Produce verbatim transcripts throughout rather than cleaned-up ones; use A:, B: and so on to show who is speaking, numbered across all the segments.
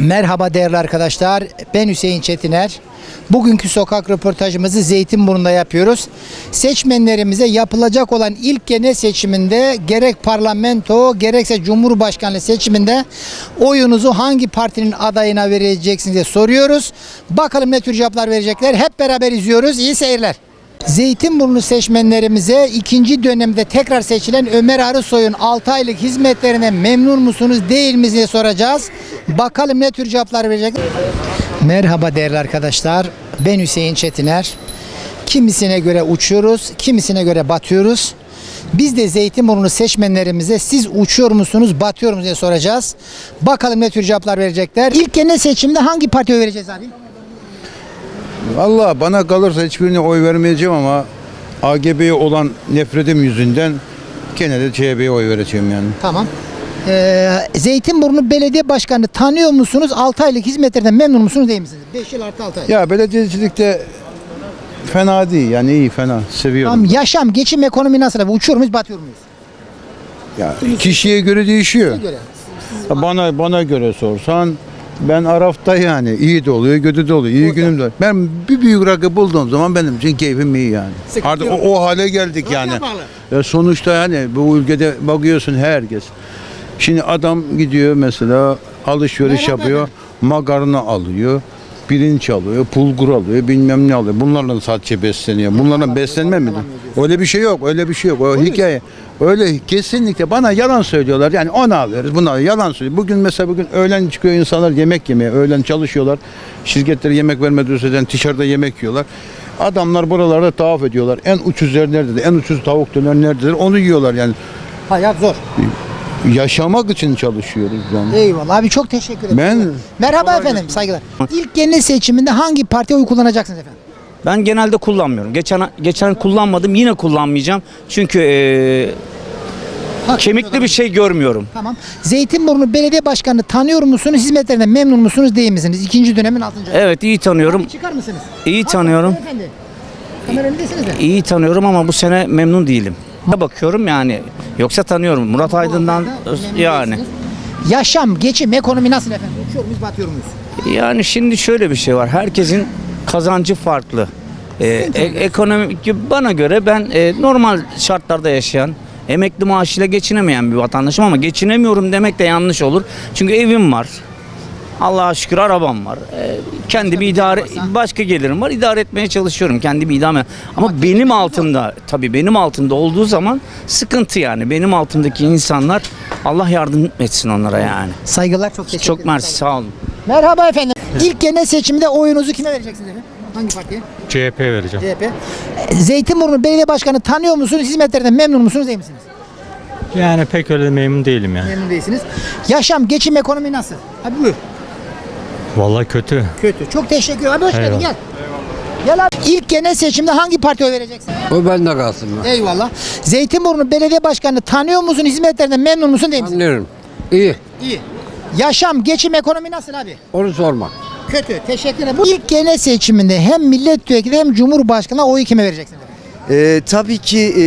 A: Merhaba değerli arkadaşlar, ben Hüseyin Çetiner. Bugünkü sokak röportajımızı Zeytinburnu'nda yapıyoruz. Seçmenlerimize yapılacak olan ilk genel seçiminde gerek parlamento gerekse cumhurbaşkanlığı seçiminde oyunuzu hangi partinin adayına vereceksiniz diye soruyoruz. Bakalım ne tür cevaplar verecekler. Hep beraber izliyoruz. İyi seyirler. Zeytinburnu seçmenlerimize ikinci dönemde tekrar seçilen Ömer Arısoy'un altı aylık hizmetlerine memnun musunuz değil misiniz diye soracağız. Bakalım ne tür cevaplar verecek. Merhaba değerli arkadaşlar. Ben Hüseyin Çetiner. Kimisine göre uçuyoruz, kimisine göre batıyoruz. Biz de Zeytinburnu seçmenlerimize siz uçuyor musunuz, batıyor musunuz diye soracağız. Bakalım ne tür cevaplar verecekler. İlk genel seçimde hangi partiye oy vereceğiz abi?
B: Vallahi bana kalırsa hiçbirine oy vermeyeceğim ama A G B'ye olan nefretim yüzünden gene de C H P'ye oy vereceğim yani.
A: Tamam. Ee, Zeytinburnu Belediye Başkanı tanıyor musunuz? altı aylık hizmetlerden memnun musunuz değil misiniz? beş yıl artı altı ay.
B: Ya belediyecilikte fena değil yani iyi fena seviyorum.
A: Tamam, yaşam, geçim, ekonomi nasıl abi? Uçuyor muyuz, batıyor muyuz?
B: Ya kişiye göre değişiyor.
A: Göre.
B: Bana bana göre sorsan ben Araf'ta yani iyi de oluyor, kötü de oluyor, iyi
A: Orada.
B: günüm de oluyor. Ben bir büyük rakı bulduğum zaman benim için keyfim iyi yani.
A: Sıkıntı
B: Artık
A: yok.
B: o, o hale geldik yani.
A: Rakıya bağlı.
B: Ya sonuçta yani bu ülkede bakıyorsun herkes. Şimdi adam gidiyor mesela alışveriş
A: Merhaba
B: yapıyor,
A: efendim.
B: makarna alıyor, pirinç alıyor, bulgur alıyor, bilmem ne alıyor. Bunlarla sadece besleniyor. Bunlarla beslenme mi? Öyle bir şey yok, öyle bir şey yok. O hikaye. Öyle kesinlikle bana yalan söylüyorlar. Yani onu alıyoruz, bunu alıyoruz. Yalan söylüyor. Bugün mesela bugün öğlen çıkıyor insanlar yemek yemeye, öğlen çalışıyorlar. Şirketlere yemek vermediği sürece dışarıda yemek yiyorlar. Adamlar buralarda tavaf ediyorlar. En ucuz yer nerededir? En ucuz tavuk döner nerededir? Onu yiyorlar yani.
A: Hayat zor.
B: Yaşamak için çalışıyoruz yani.
A: Eyvallah abi, çok teşekkür ederim.
B: Ben-
A: Merhaba efendim, saygılar. İlk genel seçiminde hangi partiye oy kullanacaksınız efendim?
C: Ben genelde kullanmıyorum. Geçen geçen kullanmadım, yine kullanmayacağım. Çünkü eee,
A: Hak
C: kemikli
A: ediyorlar.
C: bir şey görmüyorum.
A: Tamam. Zeytinburnu Belediye Başkanı tanıyor musunuz? Hizmetlerinden memnun musunuz değil misiniz? İkinci dönemin altıncı ayı.
C: Evet, iyi tanıyorum.
A: Abi çıkar mısınız?
C: İyi
A: Bak,
C: tanıyorum.
A: beyefendi. Kamera önündesiniz de.
C: İyi tanıyorum ama bu sene memnun değilim. Bakıyorum yani. Yoksa tanıyorum. Murat Aydın'dan
A: Memnun
C: yani.
A: değilsiniz. Yaşam, geçim, ekonomi nasıl efendim? Uçuyor muyuz, batıyor muyuz?
C: Yani şimdi şöyle bir şey var. Herkesin kazancı farklı. Ee, e- ekonomik bana göre ben e, normal şartlarda yaşayan, emekli maaşıyla geçinemeyen bir vatandaşım ama geçinemiyorum demek de yanlış olur. Çünkü evim var. Allah'a şükür arabam var. Ee, kendimi idare başka gelirim var. İdare etmeye çalışıyorum. Kendimi idame. Ama benim altımda tabii benim altımda olduğu zaman sıkıntı yani. Benim altımdaki insanlar Allah yardım etsin onlara yani.
A: Saygılar, çok teşekkür
C: Çok
A: ederim.
C: mersi, sağ olun.
A: Merhaba efendim. İlk genel seçimde oyunuzu kime vereceksiniz efendim? Hangi partiye?
D: C H P vereceğim.
A: C H P. Ee, Zeytinburnu Belediye Başkanı tanıyor musunuz? Hizmetlerinden memnun musunuz değil misiniz?
D: Yani pek öyle memnun değilim yani.
A: Memnun değilsiniz. Yaşam, geçim, ekonomi nasıl? Hadi buyur.
D: Vallahi kötü.
A: Kötü. Çok teşekkür ederim. Abi hoş geldin,
D: Eyvallah.
A: gel. Gel abi. İlk genel seçimde hangi partiye oy vereceksin?
E: O bende kalsın.
A: Eyvallah. Zeytinburnu Belediye Başkanı tanıyor musun? Hizmetlerinden memnun musun değil misin?
E: Anlıyorum. İyi.
A: İyi. Yaşam, geçim, ekonomi nasıl abi?
E: Onu sorma.
A: Kötü. Teşekkür ederim. Bu ilk genel seçiminde hem milletvekili hem cumhurbaşkanı oyu kime vereceksin?
F: Ee, tabii ki e,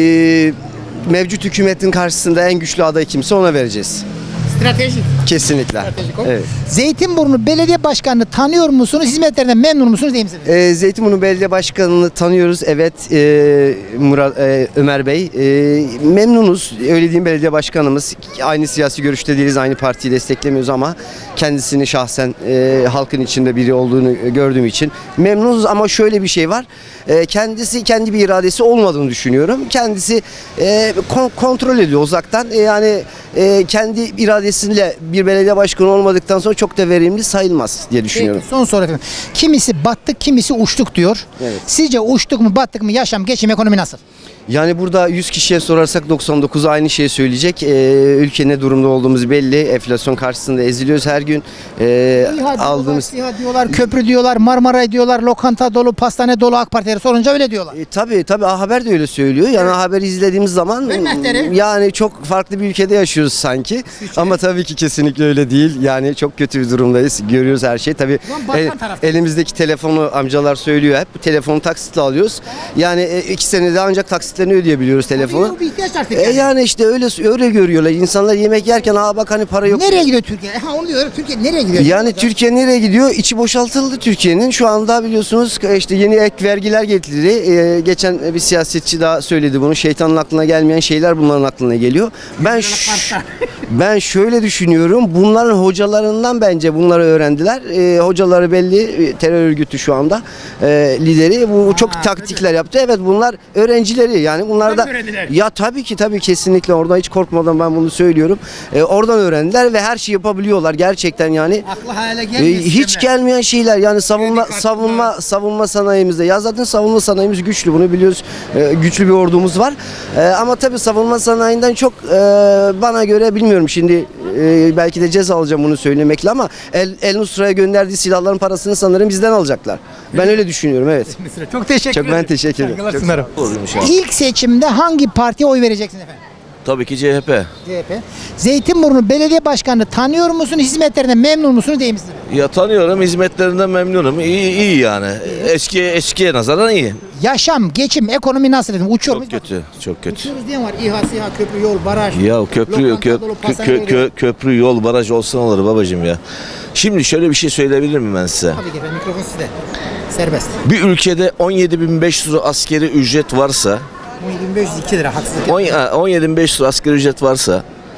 F: mevcut hükümetin karşısında en güçlü aday kimse ona vereceğiz.
A: Stratejik.
F: Kesinlikle.
A: Stratejik o.
F: Evet.
A: Zeytinburnu Belediye Başkanı tanıyor musunuz? Hizmetlerinden memnun musunuz değil misiniz?
F: Ee, Zeytinburnu Belediye Başkanı'nı tanıyoruz. Evet, e, Murat, e, Ömer Bey. E, memnunuz. Öyle diyeyim, belediye başkanımız. Aynı siyasi görüşte değiliz, aynı partiyi desteklemiyoruz ama kendisini şahsen e, halkın içinde biri olduğunu gördüğüm için memnunuz. Ama şöyle bir şey var. E, kendisi kendi bir iradesi olmadığını düşünüyorum. Kendisi e, kon- kontrol ediyor uzaktan. E, yani e, kendi iradesiyle bir belediye başkanı olmadıktan sonra çok da verimli sayılmaz diye düşünüyorum.
A: Peki, son soru efendim. Kimisi battık, kimisi uçtuk diyor.
F: Evet.
A: Sizce uçtuk mu, battık mı, yaşam, geçim, ekonomi nasıl?
F: Yani burada yüz kişiye sorarsak doksan dokuzu aynı şeyi söyleyecek. Ee, ülke ne durumda olduğumuz belli. Enflasyon karşısında eziliyoruz her gün. Ee,
A: İHA diyorlar,
F: aldığımız
A: SİHA diyorlar, köprü diyorlar, Marmaray diyorlar, lokanta dolu, pastane dolu, AK Partileri sorunca öyle diyorlar.
F: E, tabii tabii A Haber de öyle söylüyor. Yani A Haber'i izlediğimiz zaman
A: Hürmetleri.
F: yani çok farklı bir ülkede yaşıyoruz sanki. Ama tabii ki kesinlikle öyle değil. Yani çok kötü bir durumdayız. Görüyoruz her şeyi. Tabii
A: Ulan batan
F: el-
A: tarafta.
F: elimizdeki telefonu amcalar söylüyor hep. Telefonu taksitle alıyoruz. Yani e, iki senede ancak taksit taksitlerini ödeyebiliyoruz telefonu.
A: Bu bir ihtiyaç artık
F: E
A: yani.
F: yani işte öyle öyle görüyorlar. İnsanlar yemek yerken aa bak hani para yok.
A: Nereye gidiyor Türkiye? Ha onu diyorum. Türkiye nereye gidiyor?
F: Yani Türkiye nereye gidiyor? İçi boşaltıldı Türkiye'nin. Şu anda biliyorsunuz işte yeni ek vergiler getirildi. Ee, geçen bir siyasetçi daha söyledi bunu. Şeytanın aklına gelmeyen şeyler bunların aklına geliyor. Ben ş- ben şöyle düşünüyorum. Bunların hocalarından bence bunları öğrendiler. Ee, hocaları belli e, terör örgütü şu anda e, lideri. Bu çok taktikler yaptı. Evet bunlar öğrencileri. Yani bunlar da ya tabii ki tabii kesinlikle orada hiç korkmadan ben bunu söylüyorum. Ee, oradan öğrendiler ve her şeyi yapabiliyorlar gerçekten yani.
A: Aklı hayale
F: Ee,
A: gelmiyor.
F: hiç
A: sisteme.
F: gelmeyen şeyler yani savunma
A: kartında.
F: savunma savunma sanayimizde ya zaten savunma sanayimiz güçlü bunu biliyoruz. Ee, güçlü bir ordumuz var. Ee, ama tabii savunma sanayinden çok e, bana göre bilmiyorum şimdi e, belki de ceza alacağım bunu söylemekle ama El, El Nusra'ya gönderdiği silahların parasını sanırım bizden alacaklar. Ben öyle düşünüyorum evet.
A: Çok teşekkür
F: Çok
A: ederim.
F: ben teşekkür ederim. Çok
A: Saygılar sunarım. İlk seçimde hangi partiye oy vereceksiniz efendim?
E: Tabii ki C H P.
A: C H P. Zeytinburnu Belediye Başkanı'nı tanıyor musunuz? Hizmetlerinden memnun musunuz değil misiniz?
E: Ya tanıyorum, hizmetlerinden memnunum. İyi, iyi yani. Eski eskiye nazaran iyi.
A: Yaşam, geçim, ekonomi nasıl dedim? Uçuyor
E: Çok
A: muyuz?
E: kötü, çok kötü.
A: Uçuyoruz diyen var. İHA, SİHA, köprü, yol, baraj.
E: Ya köprü
A: lokanta
E: kö,
A: dolu,
E: kö-
A: pastane
E: kö-
A: dolu.
E: kö- köprü, yol, baraj olsun olur babacığım ya. Şimdi şöyle bir şey söyleyebilir miyim ben size?
A: Tabii ki efendim mikrofon sizde. Serbest.
E: Bir ülkede on yedi bin beş yüz lira askeri ücret varsa,
A: on yedi bin beş yüz iki lira haksızlık.
E: on- ha, on yedi bin beş yüz lira askeri ücret varsa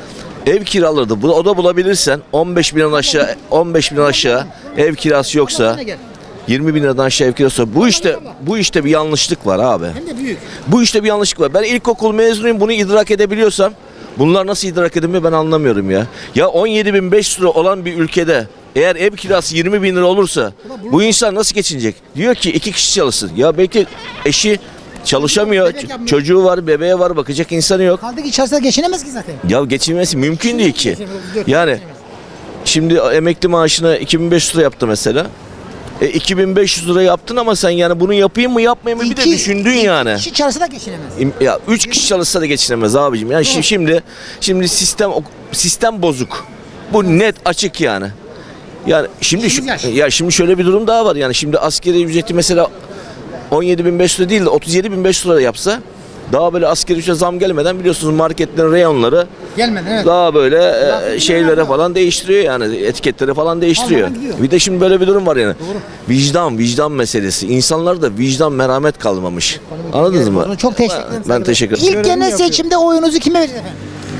E: ev kiraları bu o da bulabilirsen on beş binden aşağı on beş binden aşağı ev kirası yoksa yirmi bin liradan aşağı ev kirası bu işte bu işte bir yanlışlık var abi.
A: Hem de büyük.
E: Bu işte bir yanlışlık var. Ben ilkokul mezunuyum bunu idrak edebiliyorsam bunlar nasıl idrak edilmiyor ben anlamıyorum ya. Ya on yedi bin beş yüz lira olan bir ülkede eğer ev kirası yirmi bin lira olursa bu insan nasıl geçinecek? Diyor ki iki kişi çalışsın. Ya belki eşi çalışamıyor.
A: Bebek yapmıyor.
E: Çocuğu var, bebeğe var, bakacak insanı yok.
A: Kaldı ki içerisinde geçinemez ki zaten.
E: Ya geçinmesi mümkün değil ki. Yani şimdi emekli maaşına iki bin beş yüz lira yaptı mesela. E iki bin beş yüz lira yaptın ama sen yani bunu yapayım mı yapmayayım mı bir de
A: İki-
E: düşündün
A: iki
E: yani.
A: kişi çalışsa da geçinemez.
E: İm- Ya üç kişi çalışsa da geçinemez abicim. Yani şi- şimdi şimdi sistem sistem bozuk. Bu net açık yani. Yani şimdi şu,
A: İşimiz yaş.
E: ya şimdi şöyle bir durum daha var. Yani şimdi askeri ücreti mesela on yedi bin beş yüz lira değil de otuz yedi bin beş yüz lira yapsa daha böyle askeri ücrete zam gelmeden biliyorsunuz marketlerin reyonları
A: Gelmedi evet.
E: daha böyle e, şeylere falan değiştiriyor yani etiketleri falan değiştiriyor.
A: Almadan gidiyor.
E: Bir de şimdi böyle bir durum var yani. Vicdan, vicdan meselesi. İnsanlarda vicdan, merhamet kalmamış. Anladınız mı?
A: Çok teşekkür ederim.
E: Ben teşekkür ederim.
A: İlk genel seçimde oyunuzu kime vereceksiniz efendim?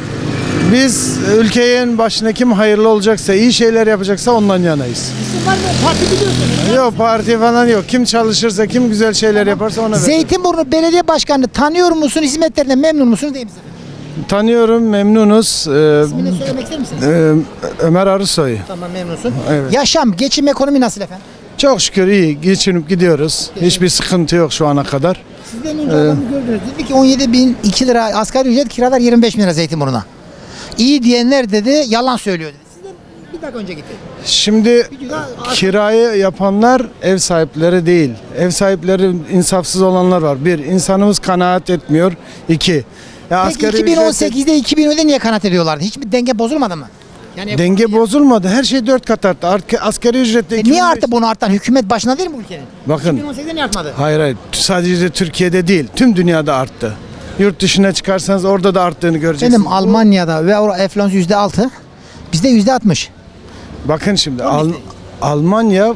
G: Biz ülkenin başına kim hayırlı olacaksa, iyi şeyler yapacaksa ondan yanayız.
A: İsim var mı? Parti biliyorsunuz.
G: Yok parti falan yok. Kim çalışırsa, kim güzel şeyler yaparsa ona ver.
A: Zeytinburnu Belediye Başkanı'nı tanıyor musunuz? Hizmetlerinden memnun musunuz değil misiniz efendim?
G: Tanıyorum, memnunuz. Ee,
A: İsmini söylemek ister misiniz?
G: e, Ömer Arısoy.
A: Tamam memnunsun.
G: Evet.
A: Yaşam, geçim, ekonomi nasıl efendim?
G: Çok şükür iyi, geçinip gidiyoruz. Hiçbir sıkıntı yok şu ana kadar.
A: Sizden önce adamı gördünüz. Dedi ki on yedi bin iki lira asgari ücret, kiralar yirmi beş bin lira Zeytinburnu'na. İyi diyenler dedi, yalan söylüyor dedi. Sizden bir dakika önce gitti.
G: Şimdi
A: Bir daha-
G: kirayı yapanlar ev sahipleri değil. Ev sahipleri insafsız olanlar var. Bir, insanımız kanaat etmiyor. İki, ya
A: Peki
G: asgari
A: iki bin on
G: ücret-
A: sekizde iki bin on'da niye kanaat ediyorlardı? Hiçbir denge bozulmadı mı? Yani
G: Denge bozulmadı. Her şey dört kat arttı. Arka- Asgari ücretle
A: E
G: iki bin
A: niye
G: beş-
A: arttı bunu artan? Hükümet başına değil mi bu ülkenin?
G: Bakın.
A: iki bin on sekizde niye artmadı?
G: Hayır hayır. Sadece Türkiye'de değil. Tüm dünyada arttı. Yurt dışına çıkarsanız orada da arttığını göreceksiniz.
A: Benim Almanya'da ve orada enflasyon yüzde altı, bizde yüzde altmış.
G: Bakın şimdi Al- Almanya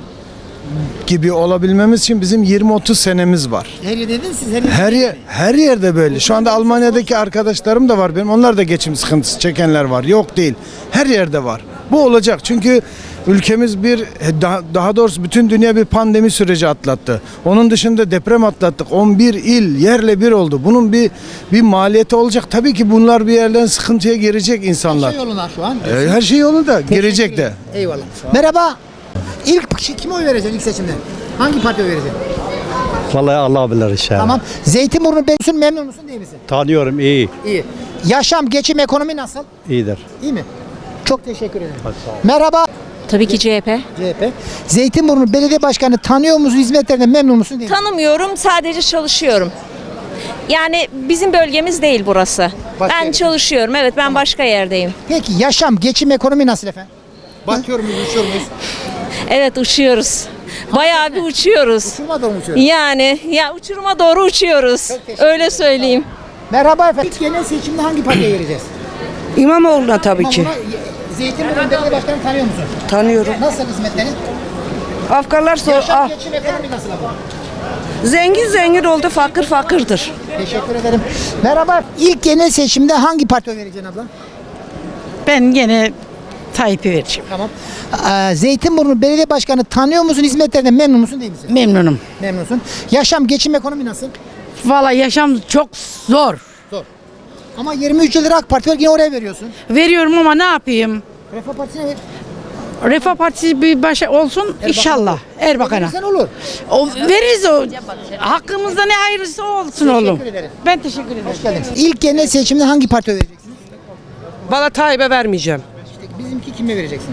G: gibi olabilmemiz için bizim yirmi otuz senemiz var.
A: Her yerde dedin siz her yerde.
G: Her yer, her yerde böyle. Şu anda Almanya'daki arkadaşlarım da var benim. Onlar da geçim sıkıntısı çekenler var. Yok değil. Her yerde var. Bu olacak. Çünkü ülkemiz bir daha, daha doğrusu bütün dünya bir pandemi süreci atlattı. Onun dışında deprem atlattık. on bir il yerle bir oldu. Bunun bir bir maliyeti olacak. Tabii ki bunlar bir yerden sıkıntıya girecek insanlar.
A: Şey yoluna şu an.
G: E, Her şey yolunda. Girecek de.
A: Eyvallah. Merhaba. İlk kişi kime oy vereceksin ilk seçimde? Hangi partiye oy vereceksin?
H: Vallahi Allah bilir inşallah.
A: Tamam. Zeytinburnu Belediyesi'nin memnun musun değil misin?
H: Tanıyorum iyi.
A: İyi. Yaşam, geçim, ekonomi nasıl?
H: İyidir.
A: İyi mi? Çok teşekkür ederim. Merhaba.
I: Tabii ki C H P.
A: C H P. Zeytinburnu Belediye Başkanı tanıyor musun? Hizmetlerinden memnun musun değil misin?
I: Tanımıyorum, sadece çalışıyorum. Yani bizim bölgemiz değil burası.
A: Başka
I: ben
A: yerde.
I: çalışıyorum. Evet, ben başka yerdeyim.
A: Peki yaşam, geçim, ekonomi nasıl efendim? Batıyor muyuz, uçuyor muyuz?
I: Evet, uçuyoruz. Bayağı bir uçuyoruz.
A: Uçurma doğru uçuyoruz.
I: Yani ya uçuruma doğru uçuyoruz.
A: teşekkür
I: Öyle söyleyeyim.
A: Merhaba efendim. İlk genel seçimde hangi partiye vereceğiz?
J: İmamoğlu'na tabii ki.
A: İmamoğlu'na, Zeytinburnu Belediye Başkanı tanıyor musun?
J: Tanıyorum.
A: Nasıl hizmetleri?
J: Afganlar sor.
A: Yaşam
J: Ah,
A: geçim ekonomi nasıl abla?
J: zengin zengin oldu, fakir fakirdir.
A: Teşekkür ederim. Merhaba. İlk genel seçimde hangi partiye vereceksin abla?
J: Ben gene Tayyip'e vereceğim.
A: Tamam. Ee, Zeytinburnu Belediye Başkanı tanıyor musun? Hizmetlerinden memnun musun değil misin?
J: Memnunum.
A: Memnunsun. Yaşam, geçim, ekonomi nasıl?
J: Valla yaşam çok zor.
A: Zor. Ama yirmi üç yıldır AK Parti var, yine oraya veriyorsun.
J: Veriyorum ama ne yapayım?
A: Refah Partisi'ne ver.
J: Refah Partisi bir başa olsun inşallah. Erbakan'a.
A: Verirsen olur.
J: O, veririz o. Hakkımızda ne hayırlısı o olsun oğlum.
A: ederim.
J: Ben teşekkür ederim.
A: Hoş geldiniz. İlk genel seçimde hangi partiye vereceksiniz?
J: Valla Tayyip'e vermeyeceğim.
A: İşte bizimki kime vereceksiniz?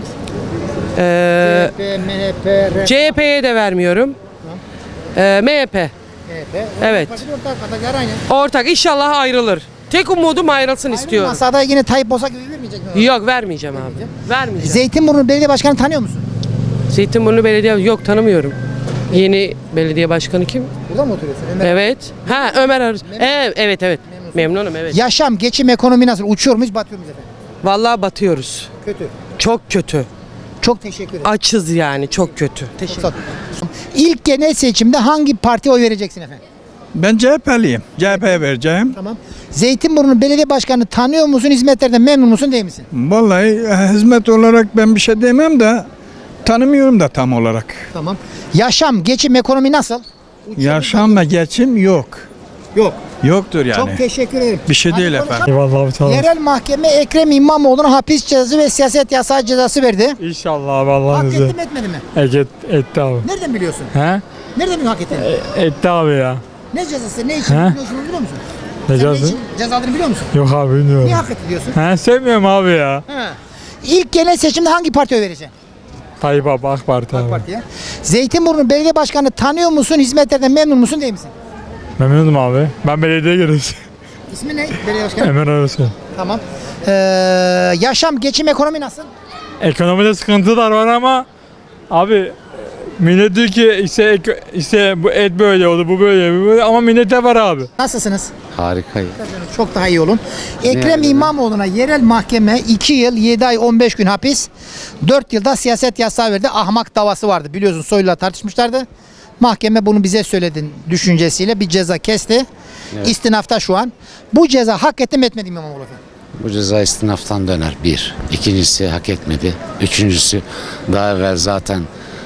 J: Ee,
A: C H P, M H P, R
J: C H P'ye de vermiyorum. Ee, M H P.
A: M H P.
J: Evet.
A: Parti ortak, adaylar aynı.
J: Ortak inşallah ayrılır. Tek umudum ayrılsın istiyorum.
A: Masada yine Tayyip Bozak gibi vermeyecek mi?
J: Yok vermeyeceğim abi. Vermeyeceğim.
A: Zeytinburnu Belediye Başkanı tanıyor musun?
J: Zeytinburnu Belediye yok tanımıyorum. Yeni belediye başkanı kim?
A: Burada mı oturuyorsun? Ömer.
J: Evet. Ha Ömer Arız. Evet evet evet. Memnunum evet.
A: Yaşam, geçim, ekonomi nasıl? Uçuyor muyuz, batıyor muyuz efendim?
J: Vallahi batıyoruz.
A: Kötü.
J: Çok kötü.
A: Çok teşekkür ederim.
J: Açız yani çok kötü. Teşekkür
A: Sağ ol. İlk genel seçimde hangi partiye oy vereceksin efendim?
K: Ben C H P'liyim. C H P'ye vereceğim.
A: Tamam. Zeytinburnu Belediye Başkanı tanıyor musun? Hizmetlerden memnun musun değil misin?
K: Vallahi e, hizmet olarak ben bir şey demem de tanımıyorum da tam olarak.
A: Tamam. Yaşam, geçim, ekonomi nasıl?
K: Yaşam ve geçim yok.
A: Yok.
K: Yoktur yani.
A: Çok teşekkür ederim.
K: Bir şey
A: Hadi
K: değil
A: konuşalım.
K: efendim.
D: Eyvallah abi tamam.
A: Yerel mahkeme Ekrem İmamoğlu'na hapis cezası ve siyaset yasağı cezası verdi.
D: İnşallah abi
A: Hak
D: Allah'ın
A: etti
D: izniyle.
A: mi etmedi mi?
D: Et, etti abi.
A: Nereden biliyorsun?
D: He?
A: Nereden biliyorsun hak ettiğini?
D: Etti abi ya.
A: Ne cezası? Ne için
D: He?
A: biliyorsun biliyor musun?
D: Ne
A: Sen
D: cezası?
A: için cezalarını biliyor musun?
D: Yok abi bilmiyorum.
A: Niye hak etti diyorsun?
D: He sevmiyorum abi ya.
A: He. İlk genel seçimde hangi partiye vereceksin?
D: Tayyip abi AK Parti abi.
A: AK Parti'ye. Zeytinburnu Belediye Başkanı tanıyor musun? Hizmetlerden memnun musun değil misin?
D: Memnunum abi. Ben belediye gireceğim.
A: İsmi ne? Belediye Başkanı.
D: Ömer Arasın.
A: Tamam. Ee, yaşam, geçim, ekonomi nasıl?
D: Ekonomide sıkıntılar var ama abi millet diyor ki işte, ek- işte bu et böyle oldu bu böyle bu böyle ama millete var abi.
A: Nasılsınız?
B: Harikayım.
A: Çok daha iyi olun. Ekrem
B: yani?
A: İmamoğlu'na yerel mahkeme iki yıl yedi ay on beş gün hapis, dört yılda siyaset yasağı verdi. Ahmak davası vardı. Biliyorsun Soylu'la tartışmışlardı. Mahkeme bunu bize söyledin düşüncesiyle bir ceza kesti. İstinafta şu an. Bu ceza hak etti mi etmedi mi İmamoğlu efendim?
L: Bu ceza istinaftan döner bir. İkincisi hak etmedi. Üçüncüsü daha evvel zaten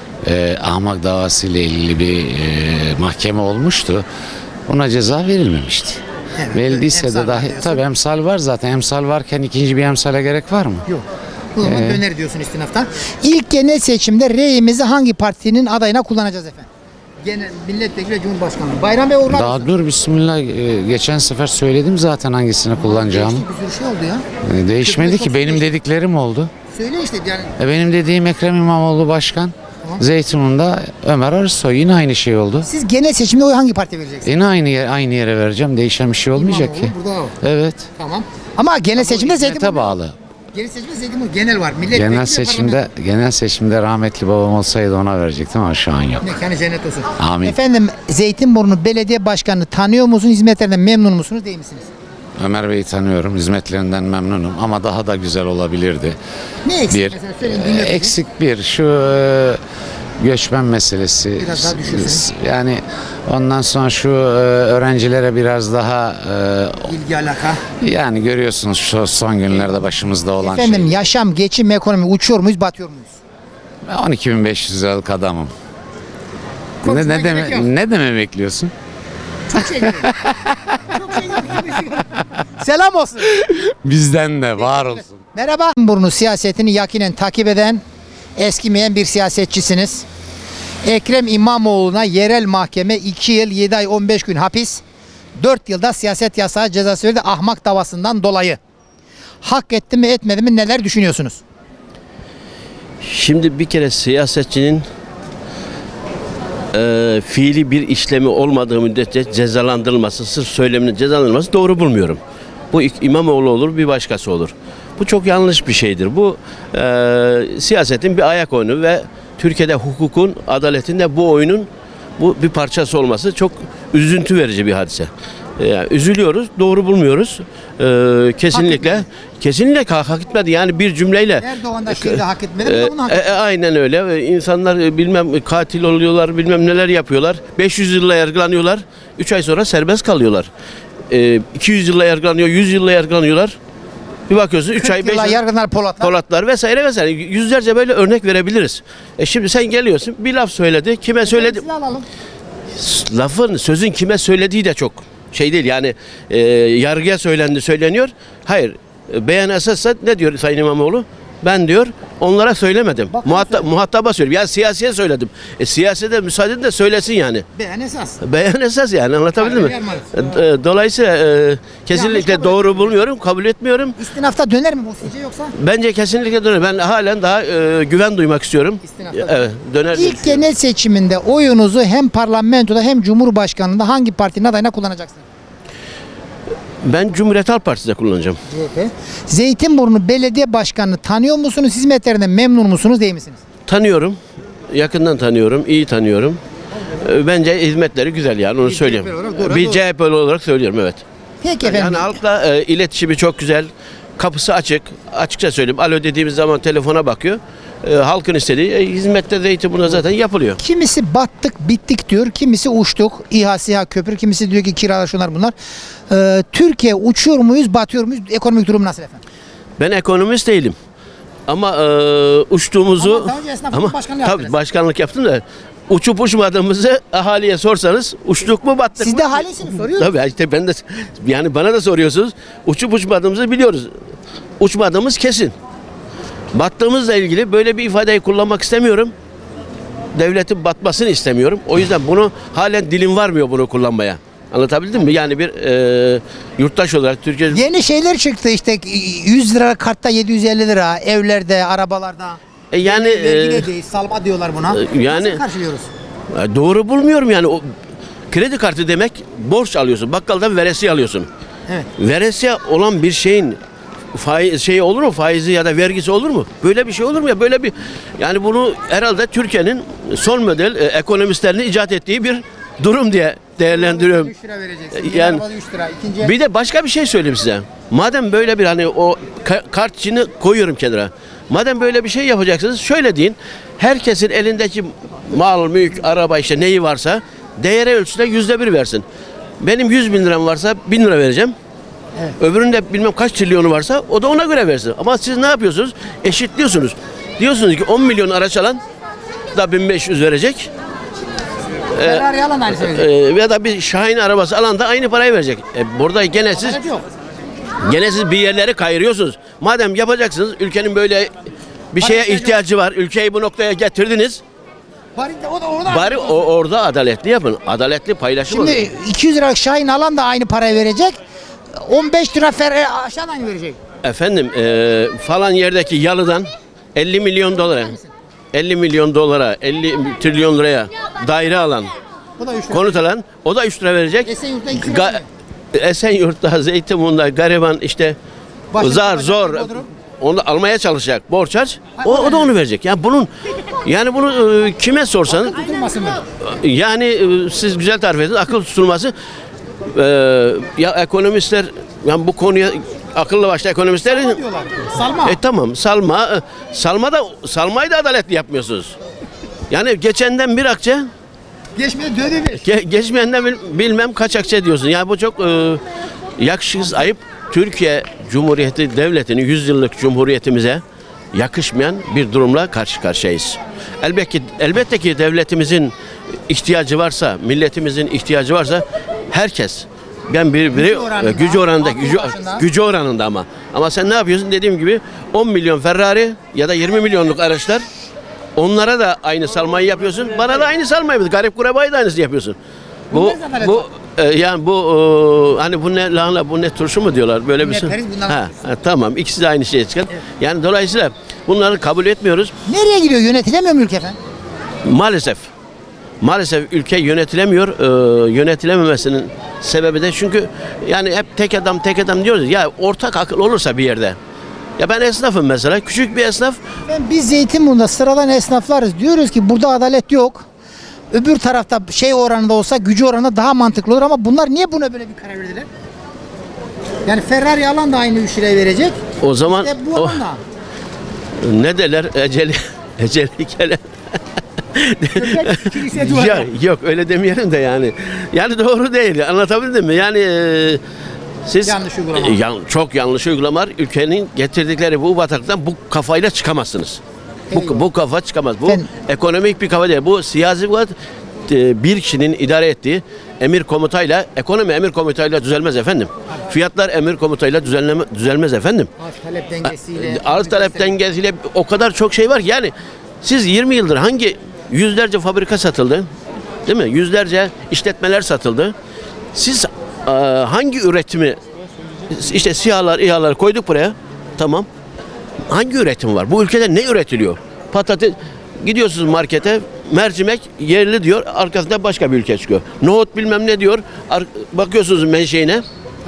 L: e, ahmak davası ile ilgili bir e, mahkeme olmuştu. Ona ceza verilmemişti.
A: Evet,
L: Verildiyse
A: emsal
L: de dahi
A: diyorsun.
L: tabii emsal var zaten. Emsal varken ikinci bir emsale gerek var mı?
A: Yok. O zaman döner diyorsun istinaftan. İlk genel seçimde reyimizi hangi partinin adayına kullanacağız efendim? Genel milletvekili ve cumhurbaşkanlığı. Bayram Bey uğurlar
L: Daha
A: mısın?
L: dur bismillah. E, geçen sefer söyledim zaten hangisini kullanacağımı.
A: Değişti, bir sürü şey oldu ya.
L: E, değişmedi
A: Çok
L: ki benim
A: değişti.
L: dediklerim oldu.
A: Söyle işte yani.
L: E, benim dediğim Ekrem İmamoğlu başkan. Zeytinburnu'nda Ömer Arısoy yine aynı şey oldu.
A: Siz genel seçimde oy hangi partiye vereceksiniz?
L: Yine aynı yere, aynı yere vereceğim. Değişen bir şey olmayacak ki.
A: İmamoğlu, burada o.
L: Evet.
A: Tamam. Ama genel seçimde
L: Hizmete
A: Zeytinburnu.
L: bağlı.
A: Genel seçimde Zeytinburnu genel var. Milletvekili
L: Genel
A: ve
L: seçimde genel seçimde rahmetli babam olsaydı ona verecektim ama şu an yok.
A: mekanı cennet olsun.
L: Amin.
A: Efendim Zeytinburnu Belediye Başkanı tanıyor musunuz? Hizmetlerinden memnun musunuz değil misiniz?
L: Ömer Bey'i tanıyorum. Hizmetlerinden memnunum ama daha da güzel olabilirdi.
A: Ne eksik
L: Bir
A: mesela? Söyleyin dinliyorum.
L: eksik bir şu e, göçmen meselesi.
A: Biraz daha düşünsün.
L: Yani ondan sonra şu e, öğrencilere biraz daha
A: İlgi alaka.
L: e, yani görüyorsunuz şu son günlerde başımızda olan
A: Efendim
L: şey.
A: yaşam, geçim, ekonomi uçuyor muyuz, batıyor muyuz?
L: on iki bin beş yüz liralık adamım. Ne,
A: Konuşmaya
L: ne,
A: gerek
L: deme,
A: yok.
L: ne deme bekliyorsun?
A: Çok şey geliyor. Çok şey geliyor. Selam olsun.
L: Bizden de var olsun.
A: Merhaba. Burnu siyasetini yakinen takip eden, eskimeyen bir siyasetçisiniz. Ekrem İmamoğlu'na yerel mahkeme iki yıl yedi ay on beş gün hapis, dört yılda siyaset yasağı cezası verdi ahmak davasından dolayı. Hak etti mi etmedi mi neler düşünüyorsunuz?
E: Şimdi bir kere siyasetçinin e, fiili bir işlemi olmadığı müddetçe cezalandırılması, sırf söyleminin cezalandırılması doğru bulmuyorum. Bu İmamoğlu olur, bir başkası olur. Bu çok yanlış bir şeydir. Bu e, siyasetin bir ayak oyunu ve
M: Türkiye'de hukukun, adaletin de bu oyunun bu bir parçası olması çok üzüntü verici bir hadise. Yani üzülüyoruz, doğru bulmuyoruz. Ee, kesinlikle,
A: Hak
M: kesinlikle hak, hak etmedi. Yani bir cümleyle.
A: Erdoğan da şimdi hak etmedi.
M: Ee,
A: bu da bunu hak
M: e,
A: etti.
M: e, aynen öyle. Ee, İnsanlar e, bilmem katil oluyorlar, bilmem neler yapıyorlar. beş yüz yılla yargılanıyorlar. üç ay sonra serbest kalıyorlar. Ee, iki yüz yılla yargılanıyor, yüz yılla yargılanıyorlar. Bir bakıyorsun üç ay beş
A: Yıllar
M: ay
A: yargılar Polatlar.
M: Polatlar vesaire vesaire yüzlerce böyle örnek verebiliriz. E şimdi sen geliyorsun bir laf söyledi. Kime söyledi?
A: Silah alalım.
M: Lafın, sözün kime söylediği de çok şey değil. Yani e, yargıya söylendi, söyleniyor. Hayır. E, beyan esassa ne diyor Sayın İmamoğlu? Ben diyor onlara söylemedim. Muhatap, muhataba söylüyorum. Yani siyasiye söyledim. E, siyasete müsaade edin de söylesin yani.
A: Beyan esas.
M: Beyan esas yani anlatabildim mi?
A: Hayır,
M: E, Dolayısıyla e, kesinlikle
A: kabul
M: doğru bulmuyorum, kabul etmiyorum.
A: İstinafta döner mi bu sizce yoksa?
M: Bence kesinlikle döner. Ben halen daha e, güven duymak istiyorum.
A: İstinafta
M: Evet, döner. diye
A: İlk
M: düşünüyorum.
A: genel seçiminde oyunuzu hem parlamentoda hem cumhurbaşkanlığında hangi partinin adayına kullanacaksınız?
M: Ben Cumhuriyet Halk Partisi'de kullanacağım.
A: C H P. Zeytinburnu Belediye Başkanı'nı tanıyor musunuz? Hizmetlerinden memnun musunuz değil misiniz?
M: Tanıyorum. Yakından tanıyorum, iyi tanıyorum. E, Bence hizmetleri güzel yani onu söyleyeyim.
A: C H P olarak doğru,
M: Bir
A: doğru.
M: C H P'li olarak söylüyorum evet.
A: Peki efendim.
M: Yani halkla e, iletişimi çok güzel. Kapısı açık. Açıkça söyleyeyim. Alo dediğimiz zaman telefona bakıyor. E, halkın istediği e, hizmette Zeytinburnu'na zaten yapılıyor.
A: Kimisi battık, bittik diyor. Kimisi uçtuk. İHA, SİHA, köprü. Kimisi diyor ki kiralar şunlar bunlar. Ee, Türkiye uçuyor muyuz, batıyor muyuz? Ekonomik durum nasıl efendim?
M: Ben ekonomist değilim. Ama e, uçtuğumuzu
A: Ama daha önce esnaflık başkanlığı
M: tabii
A: yaptınız.
M: başkanlık yaptım da uçup uçmadığımızı ahaliye sorsanız uçtuk mu battık
A: Siz
M: mı?
A: de halisiniz, soruyorsunuz.
M: Tabii işte ben de yani bana da soruyorsunuz. Uçup uçmadığımızı biliyoruz. Uçmadığımız kesin. Battığımızla ilgili böyle bir ifadeyi kullanmak istemiyorum. Devletin batmasını istemiyorum. O yüzden bunu halen dilim varmıyor bunu kullanmaya. Anlatabildim mi? Yani bir e, yurttaş olarak Türkiye
A: Yeni şeyler çıktı işte yüz lira kartta yedi yüz elli lira evlerde, arabalarda.
M: E, yani
A: Vergi de
M: e,
A: değil, salma diyorlar buna.
M: e, yani-
A: Nasıl karşılıyoruz?
M: e, doğru bulmuyorum yani. O kredi kartı demek borç alıyorsun. Bakkaldan veresiye alıyorsun.
A: Evet.
M: Veresiye olan bir şeyin faiz şey olur mu? Faizi ya da vergisi olur mu? Böyle bir şey olur mu ya? Böyle bir yani bunu herhalde Türkiye'nin son model e, ekonomistlerinin icat ettiği bir durum diye değerlendiriyorum.
A: üç lira vereceksin.
M: Yani-
A: Yani, üç lira. İkinci
M: Bir de başka bir şey söyleyeyim size. Madem böyle bir hani o ka- kart içini koyuyorum kenara. Madem böyle bir şey yapacaksınız şöyle deyin. Herkesin elindeki mal, mülk, araba işte neyi varsa değere ölçüde yüzde bir versin. Benim yüz bin liram varsa bin lira vereceğim.
A: Evet.
M: Öbüründe bilmem kaç trilyonu varsa o da ona göre versin. Ama siz ne yapıyorsunuz? Eşitliyorsunuz. Diyorsunuz ki on milyon araç alan da bin beş yüz verecek.
A: Ferrari alan aynı söyleyecek.
M: Ee, ya da bir Şahin arabası alan da aynı parayı verecek. E, burada gene siz
A: Adalet yok.
M: gene siz bir yerleri kayırıyorsunuz. Madem yapacaksınız ülkenin böyle bir şeye
A: ihtiyacı
M: ihtiyacı var. Ülkeyi bu noktaya getirdiniz.
A: Bari de o da orada.
M: Bari o, orada adaletli yapın. Adaletli paylaşım olsun.
A: Şimdi iki yüz lira Şahin alan da aynı parayı verecek. on beş lira Ferrari aşağıdan aynı verecek.
M: Efendim e, falan yerdeki yalıdan elli milyon dolara elli milyon dolara elli trilyon liraya daire alan
A: Bu da üç lira.
M: konut alan o da üç lira verecek.
A: Esenyurt'ta iki lira
M: Ga-
A: mı?
M: Esenyurt'ta, Zeytinburnu'nda gariban işte
A: Başka
M: zar
A: bir
M: zor
A: Bodrum.
M: onu almaya çalışacak borç harç
A: Ha,
M: o,
A: o
M: o da onu verecek. Yani bunun yani bunu e, kime sorsanız
A: Tutulmasın mı?
M: yani e, siz güzel tarif edin akıl tutulması e, ya ekonomistler yani bu konuya akıllı başlı ekonomistler
A: Diyorlar. Salma.
M: e tamam salma e, salma da salmayı da adaletli yapmıyorsunuz. Yani geçenden bir akçe
A: Geçmedi döde bir.
M: Ge- geçmeyenden bil- bilmem kaç akçe diyorsun. Yani bu çok e, yakışıksız, ayıp. Türkiye Cumhuriyeti Devleti'nin yüz yıllık cumhuriyetimize yakışmayan bir durumla karşı karşıyayız. Elbette ki, elbette ki devletimizin ihtiyacı varsa, milletimizin ihtiyacı varsa herkes ben bir biri
A: Gücü oranında,
M: e, gücü oranında
A: aklı
M: gücü,
A: başında.
M: gücü oranında ama ama sen ne yapıyorsun dediğim gibi on milyon Ferrari ya da yirmi milyonluk araçlar onlara da aynı salmayı yapıyorsun. Bana da aynı salmayı yapıyorsun. Garip kurabayı da aynısını yapıyorsun. Bu
A: Bunlar adalet
M: bu e, yani bu e, hani bu ne lahana bu ne turşu mu diyorlar böyle bir
A: Ne
M: şey.
A: periz, bunlar
M: Ha, ha, tamam ikisi de aynı şeye çıkan. Yani dolayısıyla bunları kabul etmiyoruz.
A: Nereye gidiyor? Yönetilemiyor mu ülke efendim?
M: Maalesef maalesef ülke yönetilemiyor. Ee, yönetilememesinin sebebi de çünkü yani hep tek adam tek adam diyoruz ya ortak akıl olursa bir yerde Ya ben esnafım mesela. Küçük bir esnaf.
A: Ben biz Zeytinburnu'nda sıradan esnaflarız. Diyoruz ki burada adalet yok. Öbür tarafta şey oranında olsa gücü oranında daha mantıklı olur ama bunlar niye buna böyle bir karar verdiler? Yani Ferrari alan da aynı üç liraya verecek.
M: O zaman
A: İşte bu
M: o,
A: alan da.
M: ne derler? Eceli, eceli gelen. ya, yok öyle demeyelim de yani. Yani doğru değil. Anlatabildim mi? Yani e, siz
A: Yanlış uygulama.
M: E, yan- çok yanlış uygulamalar. Ülkenin getirdikleri bu bataklıktan bu kafayla çıkamazsınız. Bu, bu kafa çıkamaz. Bu
A: Ben-
M: ekonomik bir kafa değil. Bu siyasi bir kafa, e, bir kişinin idare ettiği emir komutayla, ekonomi emir komutayla düzelmez efendim. Fiyatlar emir komutayla düzenleme, düzelmez efendim.
A: Arz talep dengesiyle.
M: Arz talep dengesiyle o kadar çok şey var ki yani siz yirmi yıldır hangi yüzlerce fabrika satıldı, değil mi? Yüzlerce işletmeler satıldı. Siz e, hangi üretimi işte SİHA'lar, İHA'lar koyduk buraya. Tamam. Hangi üretim var? Bu ülkede ne üretiliyor? Patates gidiyorsunuz markete mercimek yerli diyor. Arkasında başka bir ülke çıkıyor. Nohut bilmem ne diyor. Ar- bakıyorsunuz menşeine.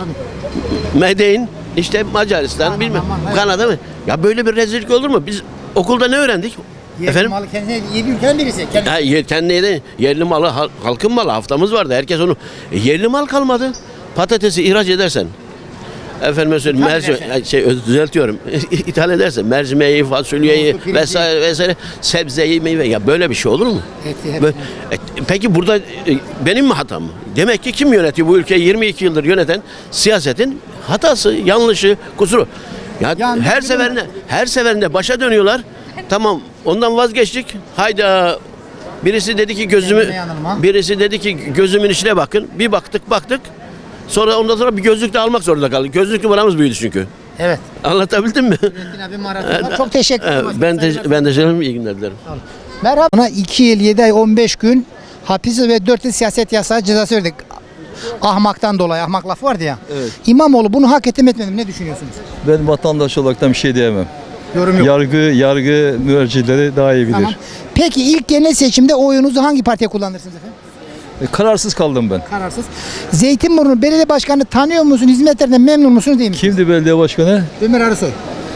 M: Medein işte Macaristan
A: Kanada,
M: bilmem
A: aman, evet.
M: Kanada mı? Ya böyle bir rezillik olur mu? Biz okulda ne öğrendik?
A: Yerli
M: Efendim?
A: malı kendine yedi ülkeden birisi. Kendi-
M: Ya yer- kendine de yerli malı hal- halkın malı haftamız vardı. Herkes onu E, yerli mal kalmadı. Patatesi ihraç edersen efendim söyleyeyim
A: İthal
M: mercimek
A: edersen.
M: şey öz- düzeltiyorum. İthal edersen mercimeği, fasulyeyi
A: Nohutu, pirinci.
M: vesaire vesaire sebzeyi, meyve ya böyle bir şey olur mu?
A: Eti, hep-
M: Böyle- E, peki burada e, benim mi hatam mı? Demek ki kim yönetiyor bu ülkeyi yirmi iki yıldır yöneten siyasetin hatası, yanlışı, kusuru. Ya
A: Yanlış
M: her
A: bir
M: seferinde her seferinde başa dönüyorlar. Tamam ondan vazgeçtik. Hayda birisi dedi ki gözümü
A: Kendine yanılma.
M: birisi dedi ki gözümün içine bakın. Bir baktık baktık. Sonra ondan sonra bir gözlük de almak zorunda kaldık. Gözlük numaramız büyüdü çünkü.
A: Evet.
M: Anlatabildim mi?
A: Nurettin abi maraton var. Çok teşekkür ederim.
M: Evet, ben de ben de canım iyi günler dilerim.
A: Merhaba. Ona iki yıl yedi ay on beş gün hapis ve dört yıl siyaset yasağı cezası verdik. Ahmaktan dolayı. Ahmak lafı vardı ya.
H: Evet.
A: İmamoğlu bunu hak etti mi etmedi mi? Ne düşünüyorsunuz?
H: Ben vatandaş olarak bir şey diyemem.
A: Yorum yok.
H: Yargı yargı müercileri daha iyi bilir.
A: Tamam. Peki ilk genel seçimde oyunuzu hangi partiye kullanırsınız efendim?
H: E, Kararsız kaldım ben.
A: Kararsız. Zeytinburnu Belediye Başkanı tanıyor musun? Hizmetlerinden memnun musunuz değil mi?
H: Kimdi belediye başkanı?
A: Ömer Arısoy.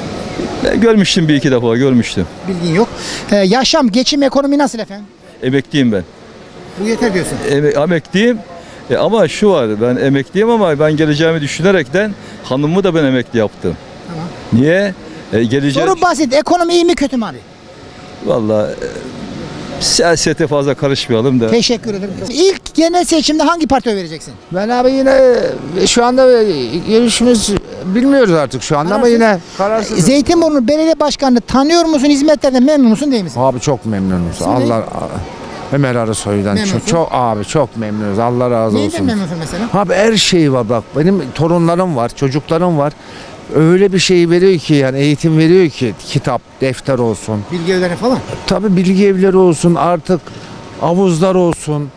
H: Ben görmüştüm bir iki defa görmüştüm.
A: Bilgin yok. Ee, yaşam, geçim, ekonomi nasıl efendim?
H: Emekliyim ben.
A: Bu yeter diyorsun.
H: Eme- emekliyim. E, ama şu var ben emekliyim ama ben geleceğimi düşünerekten hanımımı da ben emekli yaptım.
A: Tamam.
H: Niye? E, geleceğim.
A: Soru basit. Ekonomi iyi mi kötü mü abi?
H: Vallahi e, siyasete fazla karışmayalım da.
A: Teşekkür ederim. İlk genel seçimde hangi partiye oy vereceksin?
N: Ben abi yine şu anda görüşümüz bilmiyoruz artık şu anda ama
A: Kararsız.
N: yine kararsız.
A: Zeytinburnu Belediye Başkanı tanıyor musun? Hizmetlerden memnun musun değil misin?
N: Abi çok memnunuz.
A: İsmi ne?
N: Allah Ömer Arısoy'dan
A: Memnunsun.
N: çok, çok abi çok memnunuz. Allah razı
A: Neyden
N: olsun.
A: memnunsun mesela?
N: Abi her şey var bak. Benim torunlarım var, çocuklarım var. Öyle bir şey veriyor ki yani eğitim veriyor ki kitap, defter olsun.
A: Bilgi evleri falan.
N: Tabii bilgi evleri olsun artık havuzlar olsun.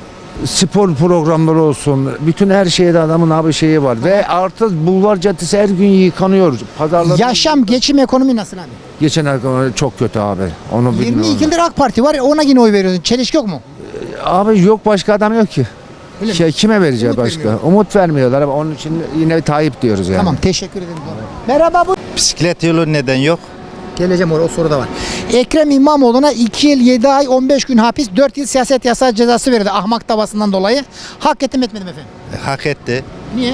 N: Spor programları olsun. Bütün her şeyde adamın abi şeyi var. Ve artık Bulvar Caddesi her gün yıkanıyor. Pazarlar.
A: Yaşam, geçim, ekonomi nasıl abi?
N: Geçen ay çok kötü abi. Onu
A: yirmi
N: bilmiyorum.
A: iki yıldır AK Parti var. Ona yine oy veriyorsun. Çelişki yok mu?
N: Abi yok başka adam yok ki.
A: Öyle mi?
N: Şey, kime vereceğiz
A: Umut
N: başka?
A: vermiyor.
N: Umut vermiyorlar ama onun için yine Tayyip diyoruz yani.
A: Tamam teşekkür ederim. Merhaba bu.
O: Bisiklet yolu neden yok?
A: Geleceğim oraya o soru da var. Ekrem İmamoğlu'na iki yıl yedi ay on beş gün hapis dört yıl siyaset yasağı cezası verildi. Ahmak davasından dolayı. Hak ettim etmedim efendim.
O: Hak etti.
A: Niye?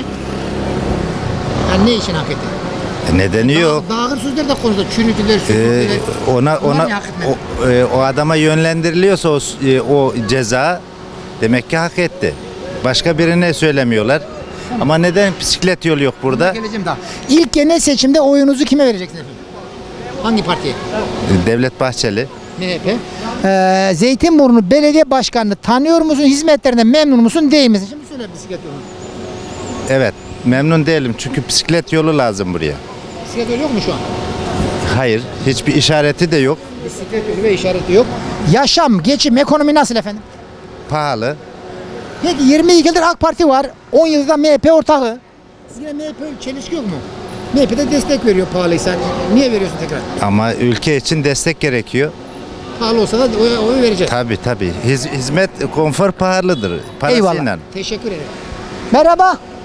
A: Yani ne için hak etti?
O: E, Nedeni yok.
A: Daha ağır sözler de konuştu. Çürütüler,
O: Ee,
A: süpürdüler.
O: ona
A: Bunlar
O: ona
A: niye hak etmedi?
O: o, e, o adama yönlendiriliyorsa o, e, o ceza demek ki hak etti. Başka birine söylemiyorlar. Ama neden bisiklet yolu yok burada?
A: Geleceğim daha. İlk genel seçimde oyunuzu kime vereceksiniz efendim? Hangi partiye?
O: E, Devlet Bahçeli.
A: M H P. Ee, Zeytinburnu Belediye Başkanı'nı tanıyor musun? Hizmetlerinden memnun musun? Değil misin? Şimdi söyle bisiklet yolu.
O: Evet. Memnun değilim çünkü bisiklet yolu lazım buraya.
A: Bisiklet yolu yok mu şu an?
O: Hayır. Hiçbir işareti de yok.
A: Bisiklet yolu ve işareti yok. Yaşam, geçim, ekonomi nasıl efendim?
O: Pahalı.
A: Peki yirmi iki yıldır AK Parti var. on yılda M H P ortağı. Siz yine M H P çelişki yok mu? M H P de destek veriyor pahalıysa. Niye veriyorsun tekrar?
O: Ama ülke için destek gerekiyor.
A: Pahalı olsa da oy, oy vereceğiz.
O: Tabii tabii. Hiz- hizmet, konfor pahalıdır. Parasıyla.
A: Eyvallah. Teşekkür ederim. Merhaba.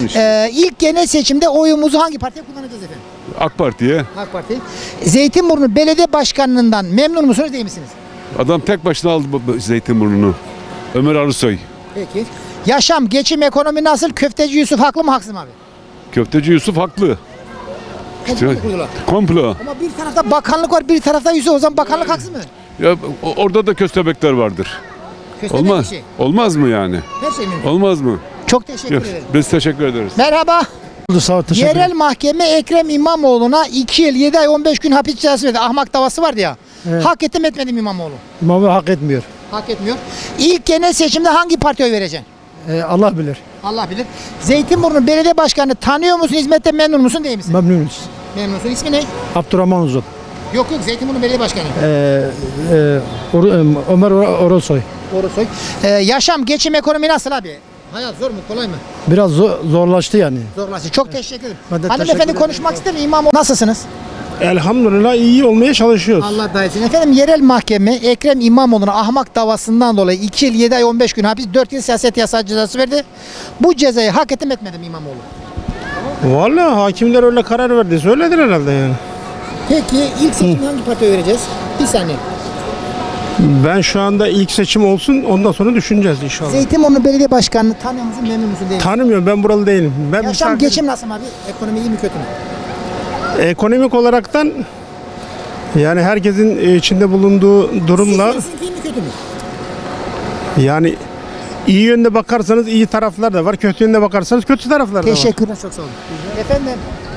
A: Ee, ilk genel seçimde oyumuzu hangi partiye kullanacağız efendim?
P: AK Parti'ye.
A: AK Parti. Zeytinburnu Belediye Başkanlığından memnun musunuz değil misiniz?
P: Adam tek başına aldı bu- bu Zeytinburnu'nu. Ömer Arısoy.
A: Peki. Yaşam, geçim, ekonomi nasıl? Köfteci Yusuf haklı mı haksız mı abi?
P: Köfteci Yusuf haklı.
A: Komplo mu kurdular?
P: Komplo.
A: Ama bir tarafta bakanlık var, bir tarafta Yusuf. O zaman bakanlık haksız mı?
P: Ya o- orada da köstebekler vardır.
A: Köstebek
P: Olmaz.
A: işi.
P: Olmaz mı yani?
A: Her şey mümkün.
P: Olmaz mı?
A: Çok teşekkür
P: Yok,
A: ederim.
P: biz teşekkür ederiz.
A: Merhaba.
G: Sağ ol,
A: Yerel mahkeme Ekrem İmamoğlu'na iki yıl yedi ay on beş gün hapis cezası verdi. Ahmak davası vardı ya.
G: Evet.
A: Hak etti mi etmedi mi İmamoğlu?
G: İmamoğlu hak etmiyor.
A: Hak etmiyor. İlk genel seçimde hangi partiye oy vereceksin?
G: Ee, Allah bilir.
A: Allah bilir. Zeytinburnu Belediye Başkanı tanıyor musun? Hizmette memnun musun değil misin?
G: Memnunuz.
A: Memnunsun. İsmi ne?
G: Abdurrahman Uzun.
A: Yok yok Zeytinburnu Belediye Başkanı.
G: Ee, e, Or- Ömer Or- Orosoy.
A: Orosoy. Ee, yaşam, geçim, ekonomi nasıl abi? Hayat zor mu, kolay mı?
G: Biraz zor- zorlaştı yani.
A: Zorlaştı. Çok teşekkür ederim.
G: Ben de
A: Hanımefendi
G: teşekkür
A: konuşmak ister mi? İmamoğlu nasılsınız?
G: Elhamdülillah iyi olmaya çalışıyoruz.
A: Allah da etsin. Efendim yerel mahkeme Ekrem İmamoğlu'na ahmak davasından dolayı iki yıl yedi ay on beş gün hapis, dört yıl siyaset yasağı cezası verdi. Bu cezayı hak etti mi etmedi mi İmamoğlu?
G: Vallahi hakimler öyle karar verdi. Söylediler herhalde yani.
A: Peki ilk seçimde hangi partiye vereceğiz? Bir saniye.
G: Ben şu anda ilk seçim olsun ondan sonra düşüneceğiz inşallah.
A: Zeytinburnu Belediye Başkanı'nı tanıyor musun, memnun musun değil mi?
G: Tanımıyorum, ben buralı değilim. Ben
A: Yaşam,
G: misafir-
A: geçim nasıl abi? Ekonomi iyi mi kötü mü?
G: Ekonomik olaraktan yani herkesin içinde bulunduğu durumla
A: Sizin iyi mi kötü mü?
G: yani iyi yönde bakarsanız iyi taraflar da var, kötü yönde bakarsanız kötü taraflar da var.
A: Teşekkürler, çok sağ olun. Efendim